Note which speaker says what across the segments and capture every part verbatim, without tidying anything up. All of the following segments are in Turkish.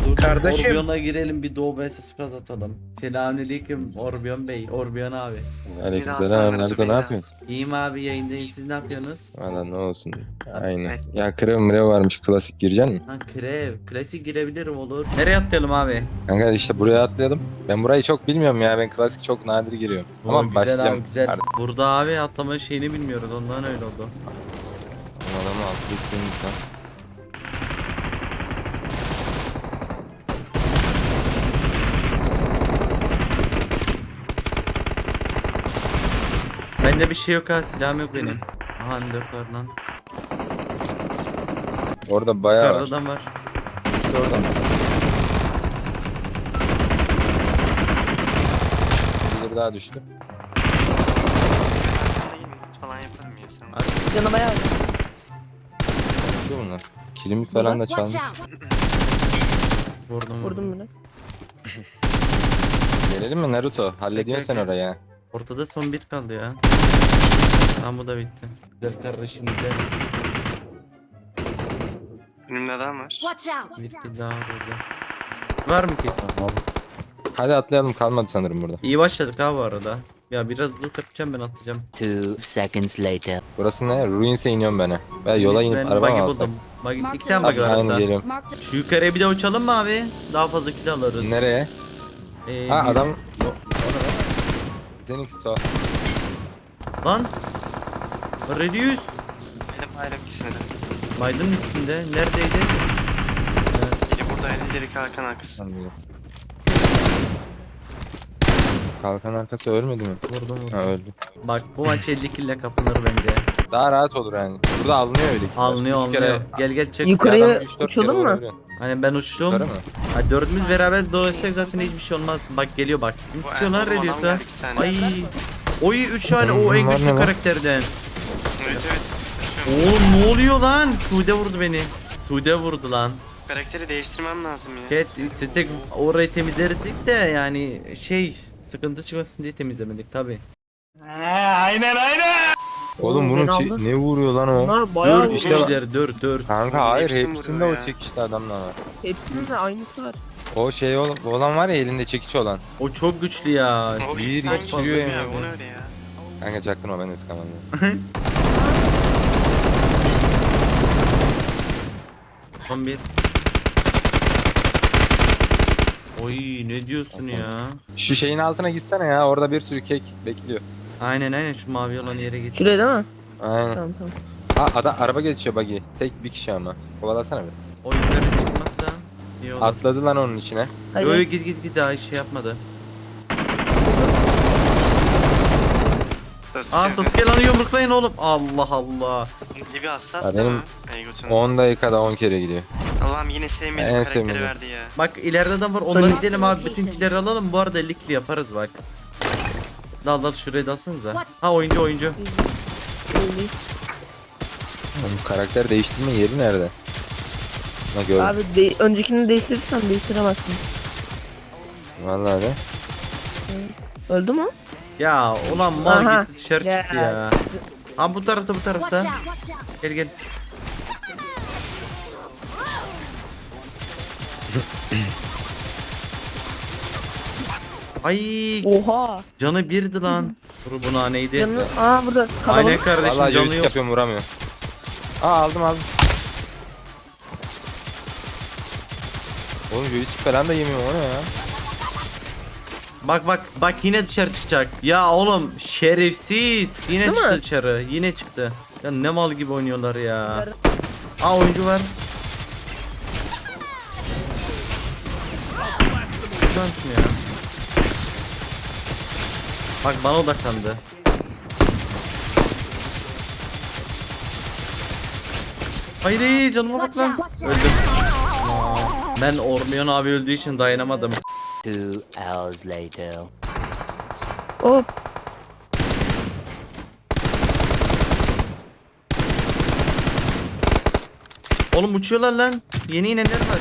Speaker 1: Dur,
Speaker 2: Kardeşim.
Speaker 1: Orbion'a girelim bir Doğu vs squad atalım. Selamünaleyküm Orbion Bey, Orbion abi.
Speaker 3: Aleykümselam. Nerede ne yapıyorsun?
Speaker 1: İyiyim abi, yayındayım, siz ne yapıyorsunuz?
Speaker 3: Valla ne olsun. Aynen. Ya krev mrev varmış, klasik gireceksin mi?
Speaker 1: Ha krev, klasik girebilirim olur. Nereye atlayalım abi?
Speaker 3: Kanka işte buraya atlayalım. Ben burayı çok bilmiyorum ya. Ben klasik çok nadir giriyorum.
Speaker 1: Oo,
Speaker 3: Ama
Speaker 1: güzel
Speaker 3: başlayacağım.
Speaker 1: abi güzel.
Speaker 3: Artık
Speaker 1: Burada abi atlama şeyini bilmiyoruz, ondan öyle oldu.
Speaker 3: adamı atlayayım lütfen.
Speaker 1: Bende bir şey yok ha, silahım yok benim. Aha M dört var lan.
Speaker 3: Orada bayağı
Speaker 1: Yukarıda
Speaker 3: var.
Speaker 1: adam var.
Speaker 3: İşte oradan. Bir daha düştü.
Speaker 4: Falan yaparım ya sen.
Speaker 5: Canı bayağı.
Speaker 3: Şu bunlar. Kilimi falan da
Speaker 5: Watch
Speaker 3: çalmış.
Speaker 5: out.
Speaker 1: Vurdum vurdum.
Speaker 5: Vurdum bunu.
Speaker 3: Gelelim mi Naruto? Hallediyorsun sen
Speaker 1: Bekle, bekle.
Speaker 3: orayı ya.
Speaker 1: Ortada son bir kaldı ya. Tamam, bu da bitti. Güzel kardeşim güzel.
Speaker 4: Önümde adam var.
Speaker 5: Watch out.
Speaker 1: Bir kill daha var orada. Var mı ki?
Speaker 3: Hadi atlayalım, kalmadı sanırım burada.
Speaker 1: İyi başladık ha bu arada. Ya biraz loot yapacağım, ben atlayacağım.
Speaker 6: Two seconds later.
Speaker 3: Burası ne? Ruins'e iniyorum ben. ha. Ben yola inip
Speaker 1: Ben
Speaker 3: araba
Speaker 1: buggy
Speaker 3: mı alsam?
Speaker 1: buldum. Buggy, iki tane buggy var
Speaker 3: Aynen
Speaker 1: hatta.
Speaker 3: geliyorum.
Speaker 5: Marked.
Speaker 1: Şu yukarıya bir de uçalım mı abi? Daha fazla kill alırız.
Speaker 3: Nereye?
Speaker 1: Ee,
Speaker 3: Ha
Speaker 1: bir-
Speaker 3: adam... O, o ne lan? Zenix so.
Speaker 1: Lan. Redius.
Speaker 4: Benim ailem ikisine de.
Speaker 1: Biden ikisinde. Neredeydi?
Speaker 4: Biri burada elleri kalkan arkası.
Speaker 3: Sanmıyorum. Kalkan arkası ölmedi mi?
Speaker 1: Vurdum vurdum.
Speaker 3: Ha öldü.
Speaker 1: Bak bu maç elli kill ile kapınır bence.
Speaker 3: Daha rahat olur yani. Burada alınıyor öyle ki.
Speaker 1: Alınıyor
Speaker 3: Üç
Speaker 1: alınıyor.
Speaker 3: kere-
Speaker 1: Gel gel çık.
Speaker 5: Yukarıya
Speaker 3: Bir adam üç dört kere
Speaker 5: uçalım mı?
Speaker 3: vurabiliyor.
Speaker 1: Hani ben uçtum.
Speaker 3: Yukarı mı?
Speaker 1: Ha, dördümüz beraber dolaşsak zaten hiçbir şey olmaz. Bak geliyor bak. Kim
Speaker 4: Bu
Speaker 1: sıkıyor lan
Speaker 4: Erdoğan adam
Speaker 1: Redius'a?
Speaker 4: geldi iki tane.
Speaker 1: Ay. Oy üç tane o en
Speaker 3: Bunlar ne
Speaker 1: güçlü
Speaker 3: lan?
Speaker 1: karakterden.
Speaker 4: Evet evet. Açıyorum.
Speaker 1: Oğlum ne oluyor lan? Sude vurdu beni. Sude vurdu lan.
Speaker 4: Karakteri değiştirmem lazım ya.
Speaker 1: Şey istesek orayı temizlerdik de yani şey sıkıntı çıkmasın diye temizlemedik tabi.
Speaker 3: Oğlum bunun
Speaker 5: beni
Speaker 3: çi-
Speaker 5: aldı.
Speaker 3: ne vuruyor lan o?
Speaker 5: Bunlar bayağı
Speaker 1: Dört
Speaker 5: işte
Speaker 3: işte-
Speaker 1: kişiler dört dört.
Speaker 3: Kanka hayır
Speaker 4: Hepsini
Speaker 3: hepsinde
Speaker 4: vuruyor
Speaker 3: o
Speaker 4: ya.
Speaker 3: çekişli adamlar var.
Speaker 5: hepsinin de aynısı var.
Speaker 3: O şey ol- olan var ya, elinde çekiç olan.
Speaker 1: O çok güçlü ya.
Speaker 4: O
Speaker 3: Bir
Speaker 4: insan
Speaker 3: geçiriyor
Speaker 4: gibi
Speaker 3: yani.
Speaker 4: ya. O ne öyle ya?
Speaker 3: Kanka çaktırma, ben de sıkamadım.
Speaker 1: Son bir. Oy ne diyorsun ya?
Speaker 3: Şu şeyin altına gitsene ya, orada bir sürü kek bekliyor.
Speaker 1: Aynen aynen şu mavi olan yere git.
Speaker 5: Şuraya değil mi?
Speaker 3: Aynen.
Speaker 5: Tamam tamam.
Speaker 3: Ha adam araba geçiyor buggy. Tek bir kişi ama. Kovalasana bir.
Speaker 1: O yukarı çıkmazsa iyi olur.
Speaker 3: Atladı lan onun içine.
Speaker 5: Hadi.
Speaker 1: Yo yo git git git daha şey yapmadı.
Speaker 4: Sasuke.
Speaker 1: Aa Sasuke lan yumruklayın oğlum. Allah Allah.
Speaker 4: Gibi hassas
Speaker 3: Ya
Speaker 4: değil
Speaker 3: benim
Speaker 4: mi? Ey götünü.
Speaker 3: on dakikada on kere gidiyor.
Speaker 4: Allah'ım yine sevmediğim
Speaker 3: En
Speaker 4: karakteri
Speaker 3: sevmediğim.
Speaker 4: verdi ya.
Speaker 1: Bak ileride adam var, onları gidelim abi, bütün killeri alalım. Bu arada elli kill yaparız bak. Dal dal şuraya dalsanıza. Ha oyuncu oyuncu.
Speaker 5: Öyle.
Speaker 3: Oğlum, karakter değiştirme yeri nerede? Ha gördüm.
Speaker 5: Abi de öncekini değiştirirsen değiştiremezsin.
Speaker 3: Vallahi de.
Speaker 5: Öldü mü?
Speaker 1: Ya ulan mal
Speaker 5: Aha.
Speaker 1: gitti dışarı
Speaker 5: Ya.
Speaker 1: çıktı ya. Ha bu tarafta bu tarafta. Gel gel. Ay
Speaker 5: Oha.
Speaker 1: canı birdi lan. Dur buna neydi?
Speaker 5: Canı aa burada
Speaker 1: Aynen
Speaker 5: kalabalık.
Speaker 1: kardeşim
Speaker 3: Vallahi
Speaker 1: canı
Speaker 3: joystick
Speaker 1: yok.
Speaker 3: yapıyorum, vuramıyor. Aa aldım aldım. Oğlum joystick falan da yemiyor, o ne ya?
Speaker 1: Bak bak bak yine dışarı çıkacak. Ya oğlum şerefsiz. Yine
Speaker 5: Değil
Speaker 1: çıktı
Speaker 5: mi?
Speaker 1: dışarı. Yine çıktı. Ya ne mal gibi oynuyorlar ya. Aa oyuncu var. Şuradan şunu ya. Bak bana odaklandı. Hayır hayır, canıma bak lan. Öldüm. Aa, ben Ormion abi öldüğü için dayanamadım.
Speaker 6: Two hours later.
Speaker 5: Hop.
Speaker 1: Oğlum uçuyorlar lan. Yeni inenler var.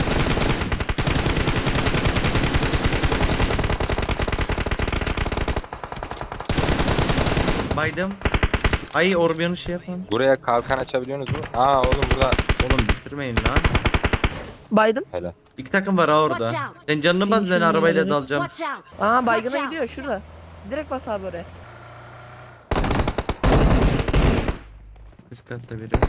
Speaker 1: Baydım. Ay Orbion'u şey yapalım.
Speaker 3: Buraya kalkan açabiliyorsunuz mu? Aa oğlum burada.
Speaker 1: Oğlum bitirmeyin lan.
Speaker 5: Biden.
Speaker 3: Helal.
Speaker 1: İki takım var ha orada.
Speaker 2: Watch out.
Speaker 1: Sen canını bas, ben
Speaker 5: Şimdi
Speaker 1: arabayla
Speaker 5: evet.
Speaker 1: dalacağım.
Speaker 2: Watch out.
Speaker 5: Aa baygına
Speaker 2: Watch out.
Speaker 5: gidiyor şurada. Direkt bas abi oraya.
Speaker 1: Üst katta biri.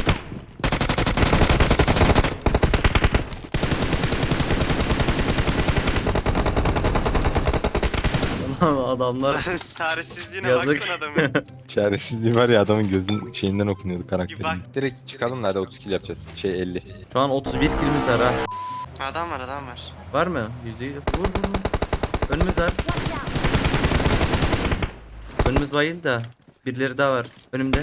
Speaker 1: Ulan adamlar
Speaker 4: Çaresizliğine
Speaker 1: yazık.
Speaker 4: baksana adamın.
Speaker 3: Çaresizliği var ya, adamın gözün şeyinden okunuyordu karakterin.
Speaker 4: Bir bak.
Speaker 3: Direkt çıkalım da hadi otuz kill yapacağız. Şey elli.
Speaker 1: Şu an otuz bir kilimiz var ha.
Speaker 4: Adam var adam var.
Speaker 1: Var mı? Yüzüğü vur vur vur. Önümüz var.
Speaker 2: Watch out.
Speaker 1: Önümüz bayıldı da. Birileri daha var. Önümde.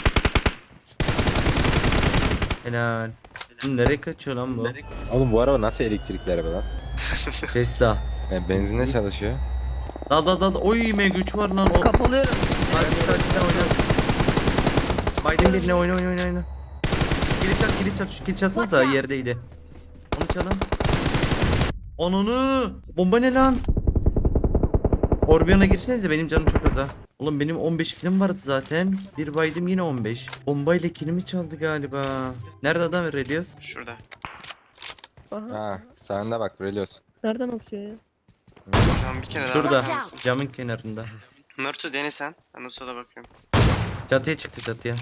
Speaker 1: Helal. Oğlum nereye kaçıyor lan bu?
Speaker 3: Oğlum bu araba nasıl elektrikli araba lan?
Speaker 1: Tesla.
Speaker 3: Yani benzinle çalışıyor.
Speaker 1: Dal dal dal. Oy M G üç var lan. O.
Speaker 5: Kapalıyorum.
Speaker 1: Hadi hadi hadi oyna. Biden birine oyna oyna oyna oyna. Kili çal kili çal. Şu kili çalsana da yerdeydi. Onu çalın. Onunu. Bomba ne lan? Orbion'a girsenize, benim canım çok az ha. Oğlum benim on beş kilim vardı zaten. Bir baydım yine on beş. Bombayla kilimi çaldı galiba. Nerede adam Relios?
Speaker 4: Şurada.
Speaker 5: Aha.
Speaker 3: Ha sağında bak Relios.
Speaker 5: Nereden atıyor ya?
Speaker 4: Hocam bir kere daha
Speaker 1: Şurada.
Speaker 4: bakar mısın?
Speaker 1: Camın kenarında.
Speaker 4: Naruto dene sen. Ben de sola bakıyorum.
Speaker 1: Çatıya çıktı çatıya.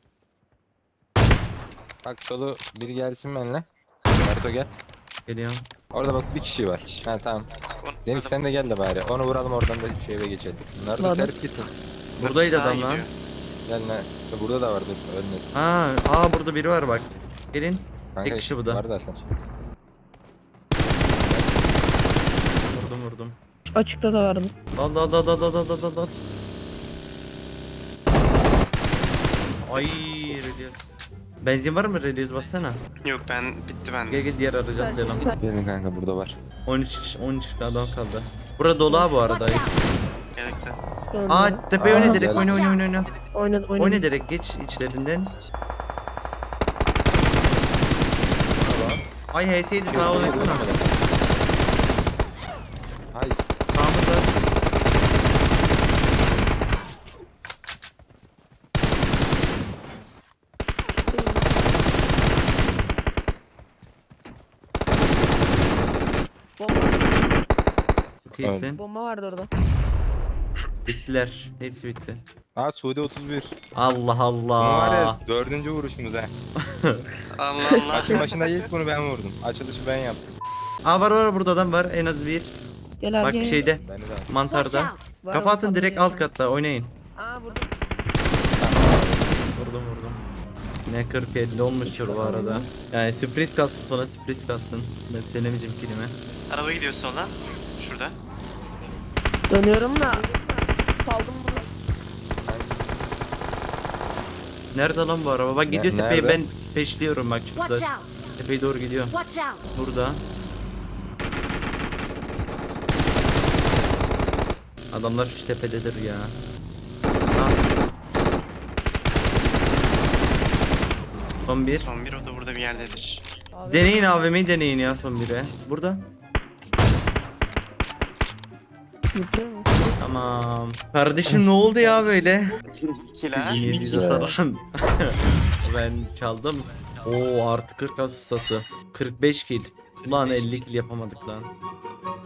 Speaker 3: Bak solu biri gelsin benimle. Naruto gel.
Speaker 1: Geliyorum.
Speaker 3: Orada bak bir kişi var. Ha tamam.
Speaker 4: Onu-
Speaker 3: Deniz sen de gel de bari. Onu vuralım, oradan da şu eve geçelim. Naruto
Speaker 5: Naruto.
Speaker 3: ters gitsin.
Speaker 1: Buradaydı
Speaker 4: Sağa
Speaker 1: adam lan.
Speaker 4: gidiyor.
Speaker 3: Gel ne? Burada da var dur. Ölmesin.
Speaker 1: Ha, aa burada biri var bak. Gelin.
Speaker 3: Kanka,
Speaker 1: Tek kişi bu da.
Speaker 3: Var zaten.
Speaker 1: Vurdum vurdum.
Speaker 5: Açıkta da vardı.
Speaker 1: Dal dal dal dal dal dal dal dal dal. Ay Relios. Benzin var mı Relios, bassana.
Speaker 4: Yok ben bitti bende.
Speaker 1: Gel gel diğer aracı atlayalım.
Speaker 3: Gelin kanka, burada var.
Speaker 1: on üç on üç adam kaldı. Burada dolu ha bu arada.
Speaker 2: Watch out.
Speaker 4: Gerekti.
Speaker 5: Sonra
Speaker 1: Aa tepeye
Speaker 3: Aa,
Speaker 1: oyna direkt,
Speaker 3: gel.
Speaker 1: oyna oyna oyna oyna.
Speaker 5: oynadı oynadı.
Speaker 1: Oyna direkt, geç içlerinden. Ay H S'ydi, sağa oynasana.
Speaker 3: Hay.
Speaker 1: Sağımızda.
Speaker 5: Bomba,
Speaker 1: Çok iyisin.
Speaker 5: bomba vardı orada.
Speaker 1: Bittiler. Hepsi bitti.
Speaker 3: Aa Suudi otuz bir.
Speaker 1: Allah
Speaker 3: Bu var
Speaker 1: Allah.
Speaker 3: ya dördüncü vuruşumuz ha.
Speaker 4: Allah Allah.
Speaker 3: Maçın başında ilk bunu ben vurdum. Açılışı ben yaptım.
Speaker 1: Aa var var, burada adam var en az bir.
Speaker 5: Gel abi
Speaker 1: Bak
Speaker 5: gel.
Speaker 1: şeyde,
Speaker 3: Beni de al.
Speaker 2: Watch
Speaker 1: mantarda.
Speaker 2: out.
Speaker 5: Var
Speaker 1: Kafa
Speaker 5: mı?
Speaker 1: atın direkt alt katta, oynayın.
Speaker 5: Aa burada.
Speaker 1: Vurdum vurdum. Ne kırk elli olmuştur bu arada. Yani sürpriz kalsın, sonra sürpriz kalsın. Ben söylemeyeceğim kelime.
Speaker 4: Araba gidiyor soldan. Şurada.
Speaker 5: Dönüyorum da. Saldım bunu.
Speaker 1: Nerede lan bu araba? Bak
Speaker 3: Ne-
Speaker 1: gidiyor tepeye,
Speaker 3: nerede?
Speaker 1: ben peşliyorum bak
Speaker 2: Watch
Speaker 1: şurada.
Speaker 2: out.
Speaker 1: Tepeye doğru gidiyor.
Speaker 2: Watch out.
Speaker 1: Burada. Adamlar şu tepededir ya. Ha. Son bir.
Speaker 4: Son bir, o da burada bir yerdedir.
Speaker 5: Abi.
Speaker 1: Deneyin A V M'yi, deneyin ya son bire. Burada.
Speaker 5: Gidiyor mu?
Speaker 1: Tamam. Kardeşim ne oldu ya böyle?
Speaker 4: İkiler.
Speaker 1: bin yedi yüze saran. Ben çaldım. Oo artı kırk asustası. kırk beş kill. Ulan elli kill yapamadık lan.